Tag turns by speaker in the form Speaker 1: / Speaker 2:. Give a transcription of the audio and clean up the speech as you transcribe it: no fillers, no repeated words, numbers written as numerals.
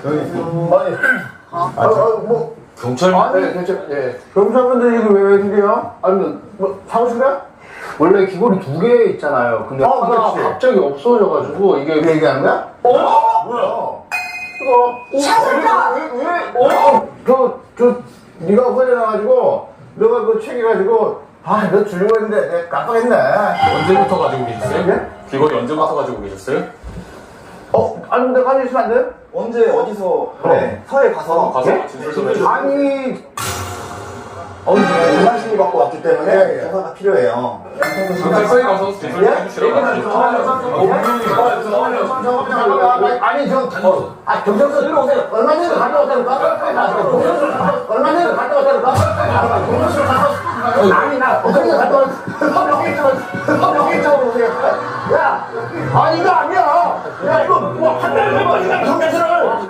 Speaker 1: 뭐
Speaker 2: 경찰?
Speaker 1: 네, 경찰. 예. 경찰분들 이거 왜 웬일이야? 아니 뭐 사무실 가?
Speaker 3: 원래 기본이 2개 있잖아요. 근데 하나
Speaker 1: 그렇지.
Speaker 3: 갑자기 없어져가지고 이게
Speaker 1: 그 얘기하는 거야?
Speaker 3: 뭐야?
Speaker 4: 샤넬라!
Speaker 1: 저 네가 없어져가지고 너가 그거 챙겨가지고 너 주려고 했는데 내가 깜빡했네.
Speaker 2: 언제부터 가지고 계셨어요?
Speaker 1: 예?
Speaker 2: 귀걸이 언제부터 가지고 계셨어요?
Speaker 1: 아니 근데 가지고 있으면 안 돼?
Speaker 5: 언제 어디서 그래 서해 가서
Speaker 2: 가서 진술 좀 해주세요.
Speaker 1: 아니
Speaker 5: 정관심이 갖고 왔기 때문에
Speaker 1: 예.
Speaker 5: 조사가 필요해요.
Speaker 2: 경찰서에 가서 진술 좀 해주시라고
Speaker 1: 아니 경찰서 들어오세요. 얼마 전에 갔다 왔다니까? 얼마 전에 갔다 왔다니까? 아니 나 어떻게 갔다 왔어? 여기 쪽으로 오세요. 야 아니 이거 아니야. 야 이거 뭐 한 달 전에 경찰서